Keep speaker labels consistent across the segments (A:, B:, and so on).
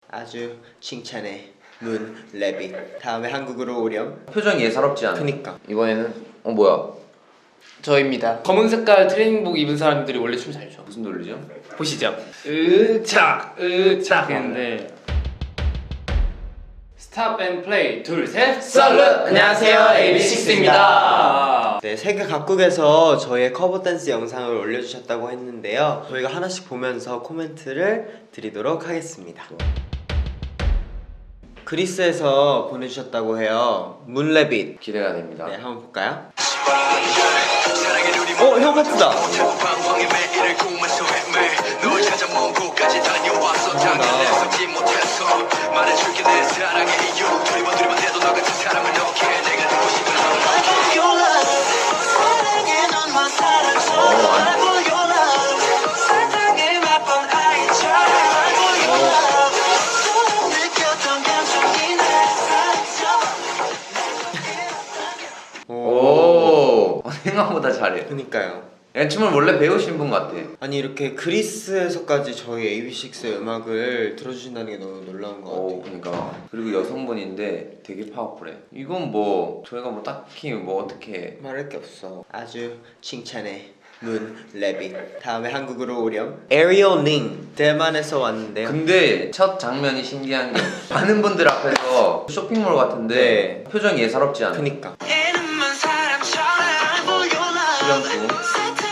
A: 아주 칭찬해. 문 레빗. 다음에 한국으로 오렴.
B: 표정이 예사롭지 않아.
A: 그니까.
B: 이번에는 뭐야?
C: 저입니다. 검은 색깔 트레이닝복 입은 사람들이 원래 춤 잘 춰.
B: 무슨 노래죠?
C: 보시죠. 으착 했는데 스탑 앤 플레이 둘 셋 썰루. 안녕하세요, AB6IX입니다.
A: 네, 세계 각국에서 저희의 커버 댄스 영상을 올려주셨다고 했는데요. 저희가 하나씩 보면서 코멘트를 드리도록 하겠습니다. 그리스에서 보내주셨다고 해요. 문레빗.
B: 기대가 됩니다.
A: 네, 한번 볼까요? 형 같다.
B: 오, 생각보다 잘해.
A: 그니까요.
B: 얘 춤을 원래 배우신 분 같아.
A: 아니 이렇게 그리스에서까지 저희 AB6IX의 음악을 들어주신다는 게 너무 놀라운 것 같아요.
B: 그러니까. 그리고 여성분인데 되게 파워풀해. 이건 뭐 저희가 뭐 딱히 뭐 어떻게
A: 말할 게 없어. 아주 칭찬해. 문 레빗. 다음에 한국으로 오렴. 에리얼 링. 대만에서 왔는데요.
B: 근데 첫 장면이 신기한 게 많은 분들 앞에서 쇼핑몰 같은데 표정이 예사롭지 않아.
A: 그니까.
B: 수련수.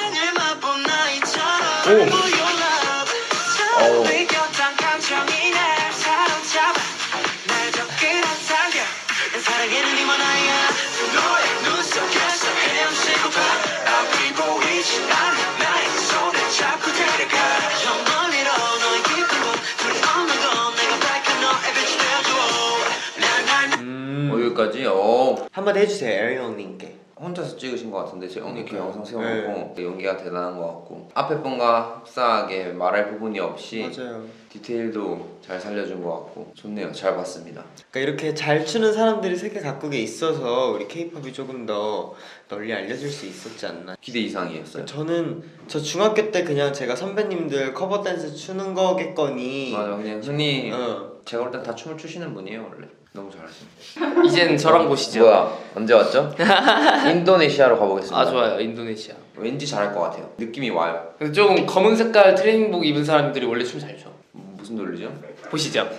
B: 여기까지.
A: 한마디 해주세요, 에리얼 링께.
B: 혼자서 찍으신 것 같은데 제가 이렇게 영상 세워놓고 연기가 대단한 것 같고 앞에 분과 흡사하게 말할 부분이 없이
A: 맞아요.
B: 디테일도 잘 살려준 것 같고 좋네요. 잘 봤습니다.
A: 그러니까 이렇게 잘 추는 사람들이 세계 각국에 있어서 우리 K-팝이 조금 더 널리 알려질 수 있었지 않나.
B: 기대 이상이었어요.
A: 저 중학교 때 그냥 제가 선배님들 커버 댄스 추는 거겠거니.
B: 맞아, 그냥 흔히
A: 어.
B: 제가 볼 땐 다 춤을 추시는 분이에요 원래. 너무 잘하시네.
C: 이젠 저랑 보시죠.
B: 뭐야? 언제 왔죠? 인도네시아로 가보겠습니다.
C: 아, 좋아요. 인도네시아.
B: 왠지 잘할 것 같아요. 느낌이 와요.
C: 근데 좀 검은 색깔 트레이닝복 입은 사람들이 원래 춤 잘 춰.
B: 무슨 노래죠?
C: 보시죠.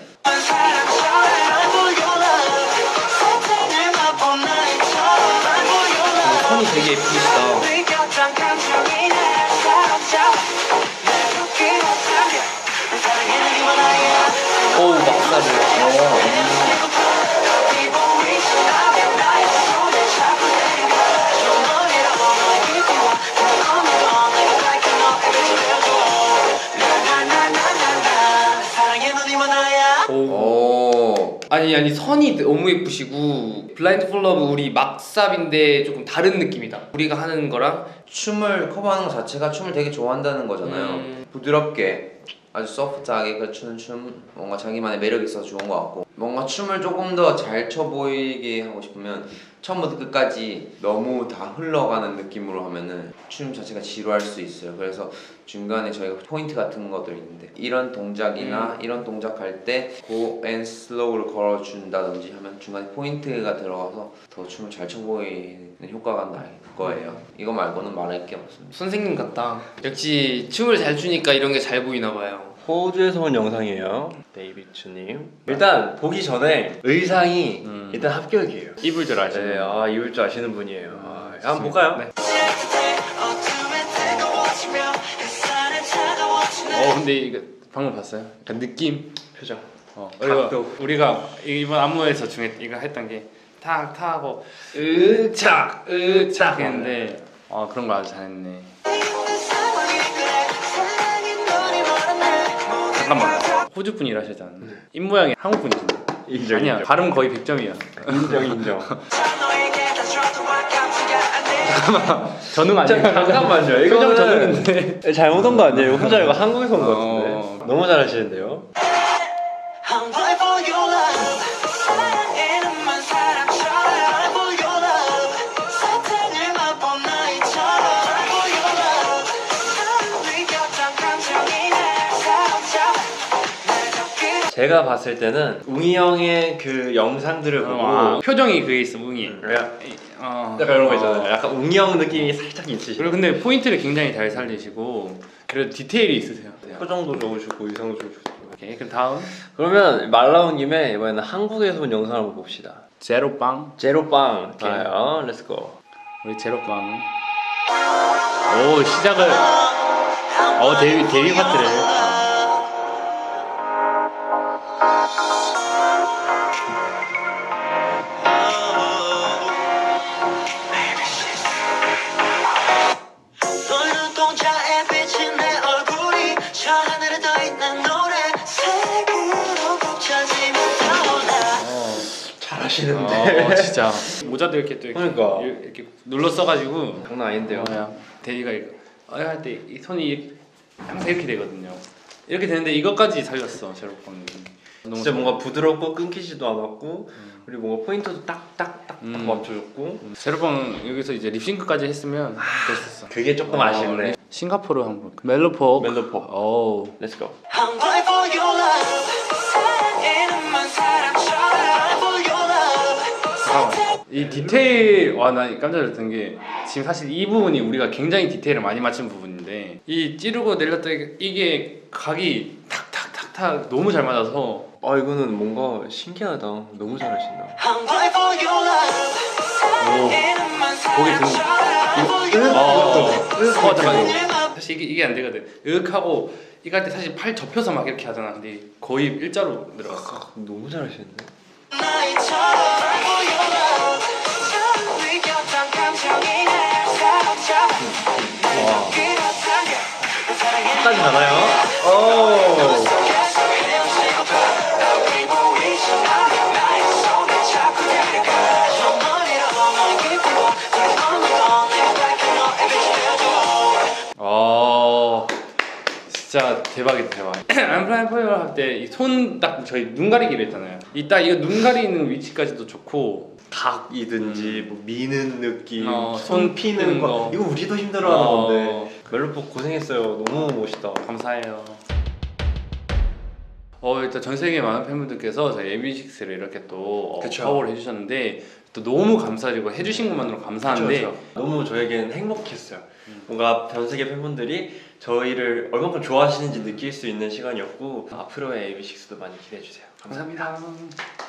C: 선이 되게 예쁘시다. 오, 막사를.
B: 오.
C: 아니 선이 너무 예쁘시고 블라인드 폴 러브 우리 막삽인데 조금 다른 느낌이다. 우리가 하는 거랑
B: 춤을 커버하는 것 자체가 춤을 되게 좋아한다는 거잖아요. 부드럽게 아주 소프트하게 추는 춤, 뭔가 자기만의 매력이 있어서 좋은 것 같고 뭔가 춤을 조금 더 잘 춰 보이게 하고 싶으면 처음부터 끝까지 너무 다 흘러가는 느낌으로 하면은 춤 자체가 지루할 수 있어요. 그래서 중간에 저희가 포인트 같은 것들 있는데 이런 동작이나 이런 동작 할 때 go and slow를 걸어준다든지 하면 중간에 포인트가 들어가서 더 춤을 잘 춰 보이는 효과가 날 거예요. 이거 말고는 말할 게 없습니다.
C: 선생님 같다. 역시 춤을 잘 추니까 이런 게 잘 보이나 봐요.
D: 호주에서 온 영상이에요. 베이비추님. 일단 보기 전에 의상이 일단 합격이에요.
C: 입을 줄 아시는.
D: 네, 입을 줄 아시는 분이에요. 한번 볼까요?
C: 네. 근데 이거 방금 봤어요? 약간 느낌,
D: 표정.
C: 그리고 우리가 이번 안무에서 중에 이거 했던 게 탁 하고 으착 했는데 그런 거 아주 잘했네. 잠깐만, 호주 분이라 하셨잖아. 입 모양이 한국 분이신데.
D: 인정.
C: 아니야,
D: 인정.
C: 발음 거의 100점이야.
D: 인정.
C: 전응 아니에요?
D: 잠깐만요.
C: 표정
D: 이거는
C: 전응인데.
D: 잘못 온 거 아니에요? 혼자 이거 한국에서 온 거 같은데.
C: 어.
D: 너무 잘하시는데요. 제가 봤을 때는 웅이 형의 그 영상들을 보고
C: 표정이 그게 있어 웅이.
D: 약간 이런 거 있잖아요. 약간 웅이 형 느낌이 살짝 있으시죠.
C: 그리고 근데 포인트를 굉장히 잘 살리시고 그래도 디테일이 있으세요.
D: 표정도 좋으시고 의상도 좋으시고.
C: 오케이 그럼 다음
D: 그러면 말 나온 김에 이번에는 한국에서 본 영상을 한번 봅시다.
C: 제로빵.
D: 제로빵
C: 오케이.
D: 좋아요. 렛츠고.
C: 우리 제로빵. 오 시작을. 데뷔 파트를.
E: 널 눈동자에 비친 내 얼굴이 저 하늘에 떠있는 노래색으로 곱쳐지면 타올라.
D: 잘하시는데.
C: 진짜 모자도 이렇게 또 이렇게,
D: 그러니까.
C: 이렇게 눌러 써가지고
D: 장난 아닌데요.
C: 데뷔가 이거 할 때 이 손이 항상 이렇게 되거든요. 이렇게 되는데 이것까지 살렸어 제로빵이.
D: 진짜 뭔가 부드럽고 끊기지도 않았고 그리고 뭔가 포인트도 딱딱딱 맞춰줬고
C: 제로빵 여기서 이제 립싱크까지 했으면 됐었어.
D: 그게 조금 아쉽네.
C: 싱가포르 한번 멜로포.
D: 멜로포.
C: 오.
D: 렛츠고.
E: I'm going for your love. 사랑에는만 사람처럼 for your love.
C: 잠깐만. 이 디테일 나 깜짝 놀랐던 게 지금 사실 이 부분이 우리가 굉장히 디테일을 많이 맞춘 부분인데 이 찌르고 내렸다 이게 각이 탁탁탁탁 너무 잘 맞아서
D: 아 이거는 뭔가 신기하다. 너무 잘하신다.
E: I'm going for your love. 사랑에는만 사람처럼 for your love.
C: 잠깐만. 사실 이게 안 되거든. 하고 이거 할 때 사실 팔 접혀서 막 이렇게 하잖아. 근데 거의 일자로 들어갔어.
D: 너무 잘하시는데.
E: 나이처럼 for your love. 처음 느꼈던 감정이 날 사로잡아. 날 끌었던 그 사랑에
D: 끝까지 가나요? 오.
E: 속에서 헤엄치고 널 보이지 않아. 나의 손을 잡고 달려가. 저 머리로 널 기쁘고 널 없는 건 내가 밝힌 너의 빛이 되어줘.
C: 진짜 대박이다 대박. I'm flying for you 할 때 이 손 딱 저희 눈 가리기로 했잖아요. 이딱 이거 눈 가리는 위치까지도 좋고
D: 각이든지 뭐 미는 느낌,
C: 손
D: 손 피는 거
C: 거.
D: 이거 우리도 힘들어하는
C: 어.
D: 건데 멜로포 고생했어요. 너무 멋있다.
C: 감사해요. 일단 전 세계 많은 팬분들께서 저희 AB6IX를 이렇게 또
D: 그쵸.
C: 커버를 해주셨는데 또 너무 감사드리고 해주신 것만으로 감사한데
D: 그쵸. 너무 저에겐 행복했어요. 뭔가 전 세계 팬분들이 저희를 얼마큼 좋아하시는지 느낄 수 있는 시간이었고 앞으로의 AB6IX도 많이 기대해 주세요. 감사합니다.
C: 감사합니다.